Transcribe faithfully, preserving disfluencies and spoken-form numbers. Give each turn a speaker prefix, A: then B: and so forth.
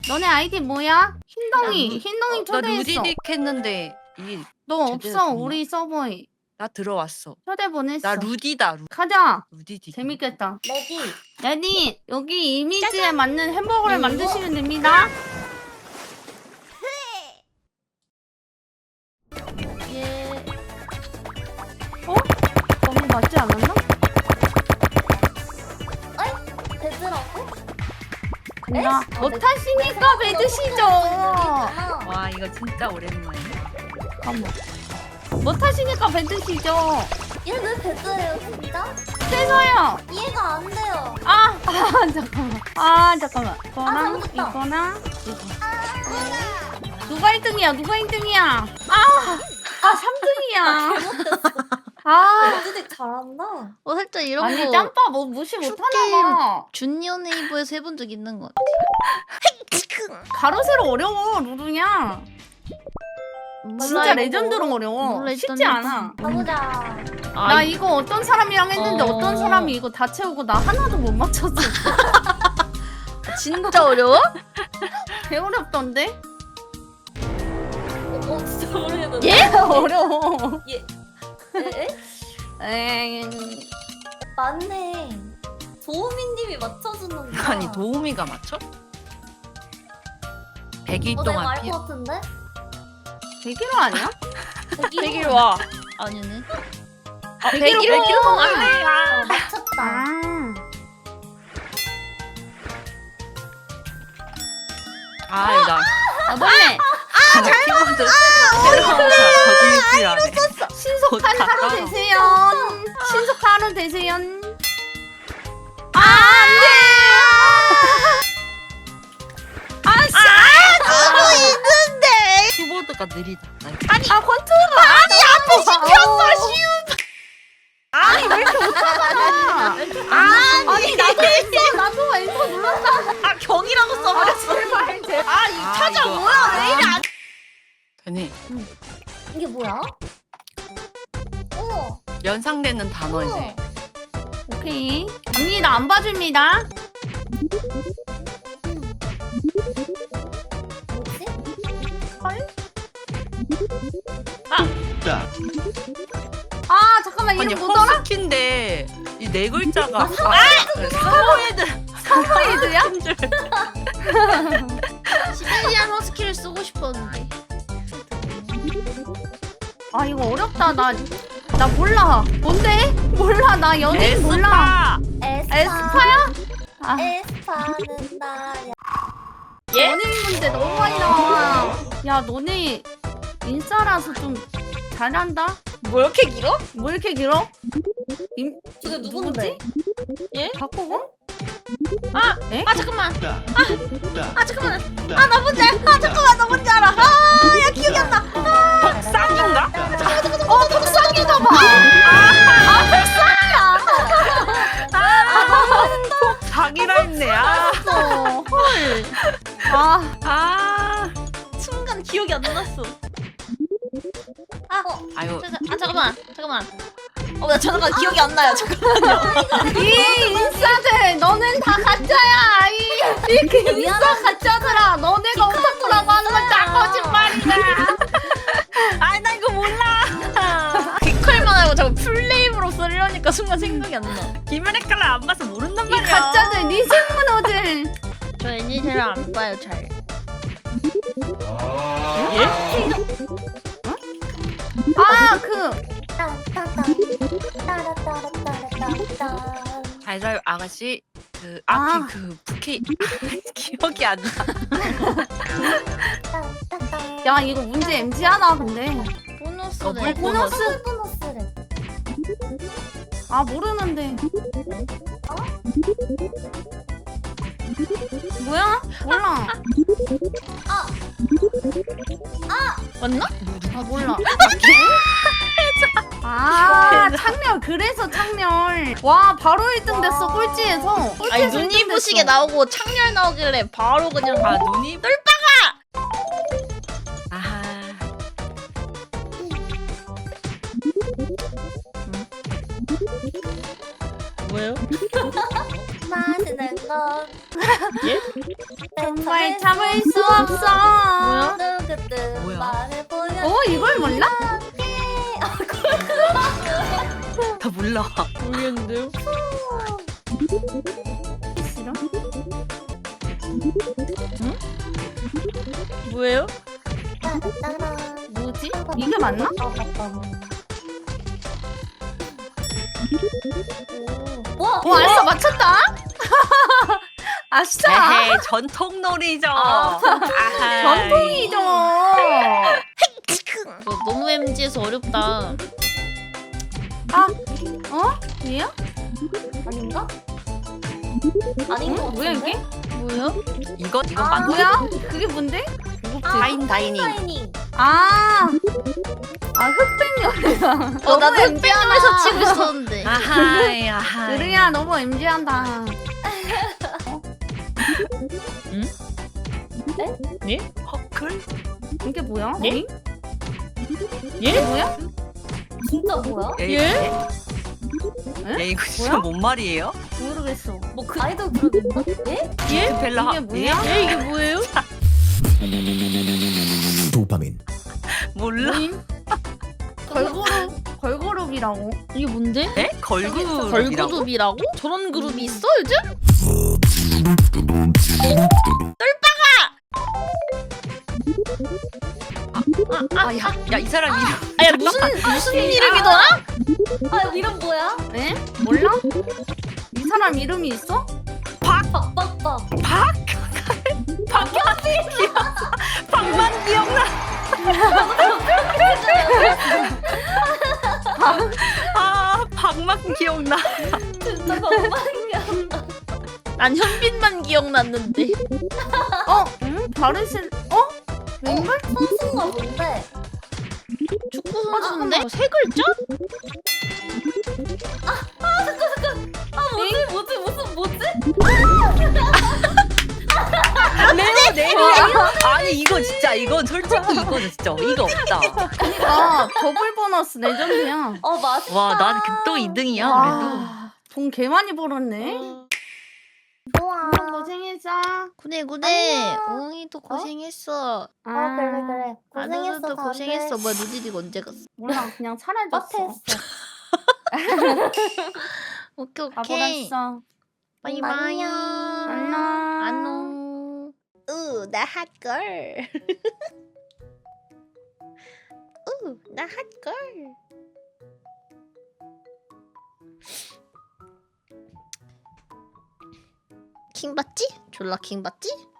A: 너네 아이디 뭐야? 흰덩이. 흰덩이
B: 나
A: 초대했어.
B: 루디딕 했는데 이
A: 너
B: 제대로
A: 없어.
B: 됐나?
A: 우리 서버에.
B: 나 들어왔어.
A: 초대 보냈어.
B: 나 루디다. 루,
A: 가자.
B: 루디딕.
A: 재밌겠다.
C: 레디.
A: 레디 여기 이미지에 짜잔. 맞는 햄버거를
C: 이거?
A: 만드시면 됩니다.
C: 예.
A: 어? 너무 맞지 않았나?
C: 베드라고?
A: 간다.
C: 에?
A: 못
C: 아,
A: 타시니까 배드시죠.
B: 와 이거 진짜 오랜만이야.
A: 잠깐만. 못 타시니까 배드시죠.
C: 얘왜 베드예요 진짜?
A: 그래서요.
C: 이해가 안 돼요.
A: 아, 아 잠깐만. 아 잠깐만.
C: 아,
A: 이거랑
C: 잘못했다.
A: 이거랑 이거. 누가 일 등이야? 누가 일 등이야? 아, 아 삼 등이야. 아,
C: 베드딕 잘한다.
D: 어 살짝 이런
A: 아니
D: 거
A: 짬빠 뭐 무시 못하나 봐.
D: 준니어 네이버에서 해본 적 있는 것 같아.
A: 가로 세로 어려워 루루냐. 진짜 레전드로 어려워.
D: 몰라,
A: 쉽지
D: 일단
A: 않아.
C: 가보자.
A: 나 이거 어떤 사람이랑 했는데
D: 어.
A: 어... 떤 사람이 이거 다 채우고 나 하나도 못 맞췄어.
D: 진짜 어려워?
A: 개 어렵던데?
C: 어, 어 진짜 모르겠는데.
D: 예?
A: 어려워.
C: 에? 에?
A: 에이,
C: 맞네. 도우미님이 맞춰주는구나.
B: 아니 도우미가 맞춰? 백 일
C: 어, 내가
B: 동안
C: 알
B: 피.
C: 것 같은데?
A: 백일호 아니야?
D: 백일 와. 아니네. 아
A: 백일 와.
D: 백일 와.
C: 어, 맞췄다.
A: 아.
B: 아 나.
A: 아, 너네
B: 아 키보드. 저질질하네.
A: 신속한
B: 좋다.
A: 하루 되세요. 신속한 하루 되세요. 아, 안 돼! 아, 씨!
D: 하고 있는데.
B: 키보드가 느리다.
A: 아니, 아, 컨트롤! 아니, 앞에 시켰어, 쉬운! 아니, 왜 이렇게 못하잖아! 아니, 아니, 나도 했어! 나도 엔터 눌렀다!
D: 아 경이라고
A: 아,
D: 써버렸어.
A: 제발, 제발.
D: 아 이
B: 아,
D: 찾아
B: 이거.
D: 뭐야 왜 이래 안.
B: 되네.
C: 이게 뭐야? 어.
B: 연상되는 단어 이제.
A: 오케이. 언니, 나 안 봐줍니다.
C: 뭐지?
A: 아, 잠깐만,
B: 아니
A: 이름 뭐더라?
B: 허스키인데 이 네 글자가 사모예드.
A: 사모예드야?
D: 시베리안 허스키를 쓰고 싶었는데.
A: 아, 이거 어렵다. 나, 나 몰라. 뭔데? 몰라. 나 연예인 몰라.
B: 에스파.
C: 에스파.
A: 에스파야? 아,
C: 에스파는 나야.
A: 연예인 문제 너무 많이 나와. 야, 너네 인싸라서 좀 잘한다?
D: 뭐 이렇게 길어?
A: 뭐 이렇게 길어? 임,
C: 저게 누군데?
D: 예?
A: 박보검?
D: 아,
A: 에?
D: 아 잠깐만. 아, 아 잠깐만. 아 나 뭔지 알. 아 잠깐만 나 뭔지 알아. 아야 기억이 안 나.
B: 쌍인가?
A: 어, 복상이다 봐! 아, 복상이야!
B: 자기라 했네. 아.
A: 어, 헐. 아,
B: 아.
D: 순간 기억이 안 났어.
B: 아유.
D: 자, 자, 아 잠깐만 잠깐만. 어나 잠깐 기억이 안 나요. 잠깐.
A: 이 인싸들, 너넨 다 가짜야, 아이. 이렇게 인싸 가짜들아. 너네가 오타쿠라고 하는 건 다 거짓말이야.
D: 아 나 이거 몰라. 귀컬만 하고 자꾸 풀네임으로 쓰려니까 순간 생각이 안 나.
B: 김연애칼을 안 봐서 모른단
A: 이
B: 말이야.
A: 가짜들, 니생문어들.
D: 저 애니제를 안 봐요 잘.
A: 아, 그,
C: 딴따단. 따라따라따라따라따.
B: 잘 자요 아가씨. 그
A: 아.
B: 아키 그 부케 기억이 안 나.
C: 딴따단.
A: 야, 이거 문제 엠지하다, 근데.
D: 보너스
B: 어,
D: 네.
B: 뭐-
A: 보너스?
C: 보너스래.
A: 아, 모르는데. 뭐야? 몰라.
D: 맞나?
A: 아, 몰라. 아, 창렬. 그래서 창렬. 와, 바로 일 등 됐어, 꼴찌에서.
D: 아니
A: 꼴찌에서
D: 눈이
A: 일 등
D: 부시게
A: 됐어.
D: 나오고 창렬 나오길래 바로 그냥
B: 아 눈이 똘빠가. 아하.
D: 뭐예요?
C: 맛있는 건.
D: 예?
A: 정말 참을 수 없어.
C: 누구든
B: 뭐야?
C: 말해보면
A: 어 이걸 몰라?
B: 다 몰라.
D: 모르겠는데요?
A: 싫어?
D: 뭐예요?
C: 따라따란.
A: 뭐지? 이게 맞나?
C: 아, 맞다. 오. 와,
A: 오 알았어 맞췄다. 아싸.
B: 에헤이, 전통놀이죠.
C: 아,
B: 아하이.
A: 전통이죠.
D: 저 너무 엠지에서 어렵다.
A: 아 어? 얘야?
C: 아닌가? 아닌 거
A: 뭐야 이게?
D: 뭐야?
B: 이거 이거
C: 아,
B: 맞나?
A: 뭐야? 그게 뭔데?
B: 다인 다이닝.
C: 다이닝.
A: 아, 아 흑백요리야.
D: 어 나도 흑백님에서 치고 있었는데.
B: 아하이 아하이.
A: 으르야 너무 엠지한다.
B: 허클?
A: 이게 뭐야?
D: 예?
A: 응?
D: 예?
A: 이게 뭐야?
C: 진짜 뭐야?
B: 예?
D: 예?
B: 예, 이거 진짜 뭔 말이에요?
A: 모르겠어.
C: 뭐 그 아이돌 그룹인가? 예?
D: 예?
B: 벨라
A: 이게 뭐야?
D: 예 이게 뭐예요?
E: 도파민.
B: 몰라?
A: 뭐임? 걸그룹 걸그룹이라고.
D: 이게 뭔데?
B: 에? 걸그룹이라고?
D: 걸그룹이라고? 저런 그룹이 있어 요즘?
B: 아, 야, 야, 이 사람 이름.
D: 아야 무슨 무슨 이름이더라?
C: 아, 이름 뭐야?
A: 에? 몰라? 이 사람 이름이 있어?
C: 박박박.
B: 박? 박현빈 기억나. 박만 기억나. 아, 박만 기억나.
C: 진짜 건방이야.
D: 난 현빈만 기억났는데.
A: 어? 응? 다르신? 어? 왼발?
C: 선수가 뭔데?
D: 축구 선수인데 세 글자?
C: 아, 뭐지? 뭐지? 무슨 뭐지?
B: 레오 네이비야. 아니 이거 진짜 이건 솔직히 이거 진짜 이거 없다.
A: 그니까 더블 보너스 레전드야.
C: 어, 맛있다.
B: 와, 난 극도 이 등이야 그래도.
A: 와, 돈 개 많이 벌었네.
C: 좋아.
A: 고생했어.
D: 구네 구네.
C: 안녕.
D: 웅이도 고생했어.
A: 아,
C: 어, 그래, 그래. 고생했어.
D: 아누도 고생했어. 뭐야 누디디 언제 갔어?
A: 몰라 그냥 사라졌어.
C: 빡했어.
D: 오케이
A: 다
D: 오케이.
A: 버렸어.
D: 바이바이.
A: 안녕.
D: 안녕. 으, 나 핫걸. 으, 나 핫걸. 킹 받지? 졸라 킹 받지?